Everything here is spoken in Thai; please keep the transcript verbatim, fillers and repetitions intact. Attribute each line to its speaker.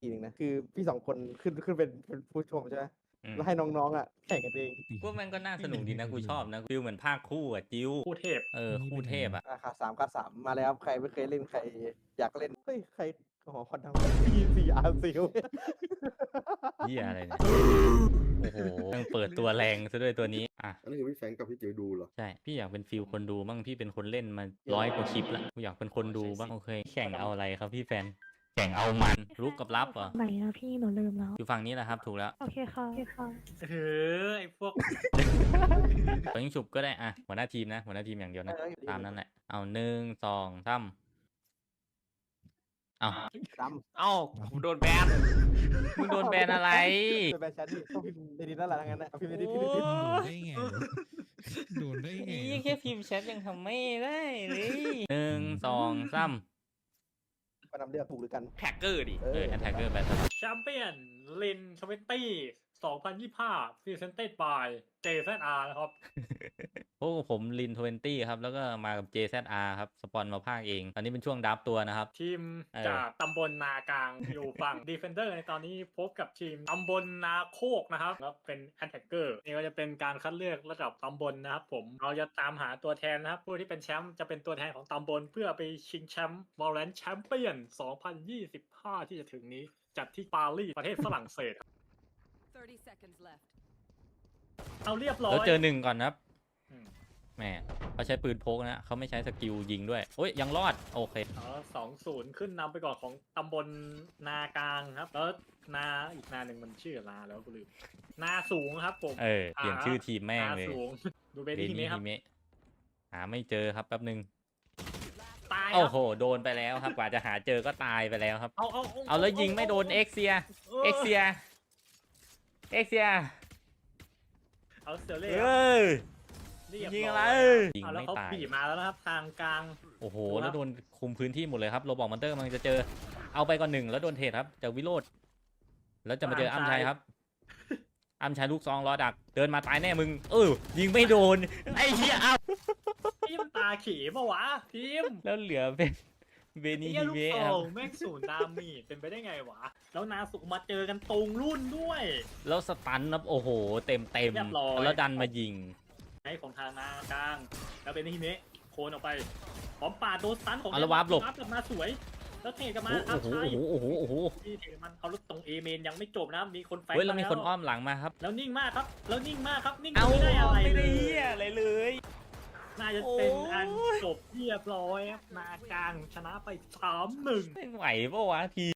Speaker 1: ทีหนึ่งนะคือพี่สองคนขึ้นขึ้นเป็นเป็นผู้ชมใช่ไหม
Speaker 2: อืม
Speaker 1: แล้วให้น้องๆอ่ะแข่งกันเอง
Speaker 2: กูว่ามันก็น่าสนุกดีนะกูชอบนะฟิลเหมือนภาคคู่อ่ะจิ้ว
Speaker 3: คู่เทพ
Speaker 2: เออคู่เทพอ่ะ
Speaker 1: ราคาสามกับสามมาแล้วใครไม่เคยเล่นใครอยากเล่นเฮ้ยใครหอคอนดังพีซีอาร์ซิล
Speaker 2: เหี้ยอะไรเนี่ย โอ้โหต้องเปิดตัวแรงซะด้วยตัวนี้ อ่ะ
Speaker 4: อันนี้คือพี่แฟรงก์กับพี่จิ๋วดูเหรอ
Speaker 2: ใช่ พี่อยากเป็นฟิลคนดูบ้างพี่เป็นคนเล่นมาร้อยกว่าคลิปแล้วกูอยากเป็นคนดูบ้างโอเค แข่งเอาอะไรครับพี่แฟน แข่งเอามันรุกกับรับเหรอ
Speaker 5: ไหนอะพี่หนูลืมแล้ว
Speaker 2: อยู่ฝั่งนี้แหละครับถูกแล้ว
Speaker 5: โอเคค่ะโอเคค่ะ
Speaker 3: เออไอพวก
Speaker 2: ตอนยิงฉุบก็ได้อ่ะหัวหน้าทีมนะหัวหน้าทีมอย่างเดียวนะ
Speaker 1: เออ
Speaker 2: ตามนั้นแหละ เอาหนึ่งสองสามเอา
Speaker 1: ด
Speaker 3: เอ้าผมโดนแบน
Speaker 2: มึงโดนแบนอะไร
Speaker 1: ำเป็นแบนชันนี่ต้องพิมพ์ในดินนั่นแหละทั้งนั้นนะเอาพิมพ์ในดินพิมพ์ในดิน
Speaker 6: โดนได้ไงวะโดนได้ไง
Speaker 2: นี่
Speaker 6: วะ
Speaker 2: แค่พิมพ์แชทยังทำไม่ได้เลยหนึ่งสองสาม
Speaker 1: มานำเลือกถูกหรือกัน
Speaker 3: แท็กเกอร์ดิ
Speaker 1: เอ
Speaker 2: เออ
Speaker 1: อ
Speaker 2: แอนแทกเกอร์แบท
Speaker 3: แชมเปี้ยนลินทเวนตี้สองพันยี่สิบห้าพรีเซนเต็ดบายเจแซดอาร์นะครับ
Speaker 2: พวกผมลินทเวนตี้ครับ แล้วก็มากับ เจ แซด อาร์ ครับ สปอนมาภาคเอง ตอนนี้เป็นช่วงดับตัวนะครับ
Speaker 3: ทีม
Speaker 2: เออ
Speaker 3: จากตำบลนากลาง อยู่ฝั่ง ดีเฟนเดอร์ในตอนนี้พบกับทีมตำบลนาโคกนะครับแล้วเป็นแอนแทกเกอร์นี่ก็จะเป็นการคัดเลือกระดับตำบลนะครับผมเราจะตามหาตัวแทนนะครับผู้ที่เป็นแชมป์จะเป็นตัวแทนของตำบลเพื่อไปชิงแชมป์วอลเลนแชมเปี้ยนสองพันยี่สิบห้าที่จะถึงนี้จัดที่ปารีสประเทศฝรั่งเศส
Speaker 7: thirty seconds left.
Speaker 3: เอาเรียบร้อย
Speaker 2: แล้วเจอหนึ่งก่อนนะครับ
Speaker 3: อืม
Speaker 2: แหมเขาใช้ปืนพกนะเขาไม่ใช้สกิลยิงด้วยโอ้ยยังรอด โอเค
Speaker 3: อ๋อสองศูนย์ขึ้นนำไปก่อนของตำบลนากลางครับ แล้วนาอีกนาหนึ่งมันชื่อนาแล้วกูลืมนาสูงครับผม
Speaker 2: เออ เปลี่ยนชื่อทีมแม่ง
Speaker 3: นา
Speaker 2: เลย
Speaker 3: สูง ดูเบ
Speaker 2: เบ
Speaker 3: นี่ที
Speaker 2: นี่
Speaker 3: นี้ครั
Speaker 2: ฮิ
Speaker 3: บ
Speaker 2: เมะหาไม่เจอครับแป๊บนึง
Speaker 3: ตายค
Speaker 2: โอ้
Speaker 3: รับ
Speaker 2: โห โดนไปแล้วครับ กว่าจะหาเจอก็ตายไปแล้วครับ
Speaker 3: เอาเอา
Speaker 2: เอาแล้วยิงไม่โดนเอ็กเซีย เอ็กเซีย เอ็กเซีย
Speaker 3: เอาเซเล่
Speaker 2: เอ้ย
Speaker 3: เรียบ
Speaker 2: ยิง
Speaker 3: ร้
Speaker 2: อะไร
Speaker 3: อย
Speaker 2: ยิง
Speaker 3: เอาแล้ว
Speaker 2: ไม่
Speaker 3: เขา
Speaker 2: ตาย
Speaker 3: บีบมาแล้วนะครับ ทางกลาง
Speaker 2: โอ้โห
Speaker 3: ดูครับ
Speaker 2: แล้วโดนคุมพื้นที่หมดเลยครับ โรบอกมอนเตอร์กำลังจะเจอ เอาไปก่อนหนึ่งแล้วโดนเทรดครับจากวิโรธแล้วจะมาเจออ้ำชัยครับ อ้ำชัยลูกซองรอดัก เดินมาตายแน่มึง เออ ยิงไม่โดน ไอ้เหี้ยอ้ำ
Speaker 3: ทีมตาขีปะวะทีม
Speaker 2: แล้วเหลือเป็นเบ
Speaker 3: ไอ้
Speaker 2: นิ
Speaker 3: เหี้ย
Speaker 2: ฮิ
Speaker 3: ลูก
Speaker 2: เมะ
Speaker 3: โป่
Speaker 2: ครับ
Speaker 3: งแม่งศูนย์ดามีดเป็นไปได้ไงวะ แล้วนาสุมาเจอกันตรงรุ่นด้วย
Speaker 2: แล้วสตันครับโอ้โห เต็มเต็ม
Speaker 3: เรียบร้อย
Speaker 2: แล้วดันมายิง
Speaker 3: ไอ้ของทางนากลาง แล้วเป็นฮิเมะโคนออกไปพร้อมปาดโดนสตันของ
Speaker 2: เอาละวาร์ปหลบ
Speaker 3: วาร์ปกลับมาสวย แล้วเทกลับมา
Speaker 2: โอ้
Speaker 3: อา
Speaker 2: โห
Speaker 3: ชัย
Speaker 2: โอ้โหโอ้โหโอ้โห
Speaker 3: ที่เทมันเอารถตรงเอเมนยังไม่จบนะมีคนแฟน
Speaker 2: เฮ้ยแล้วมีคนอ้อมหลังมาครับ
Speaker 3: แล้วนิ่งมากครับ แล้วนิ่งมากครับ นิ่ง
Speaker 2: เอา
Speaker 3: ไม่ได้อะไร
Speaker 2: ไม่
Speaker 3: เล
Speaker 2: ได้
Speaker 3: ย
Speaker 2: เหี้ยอะไรเลย
Speaker 3: น่าจะเป็น
Speaker 2: โอ้ย
Speaker 3: อันจบเรียบร้อยครับนากลางชนะไปสามหนึ่ง
Speaker 2: ไม่ไหวปะวะที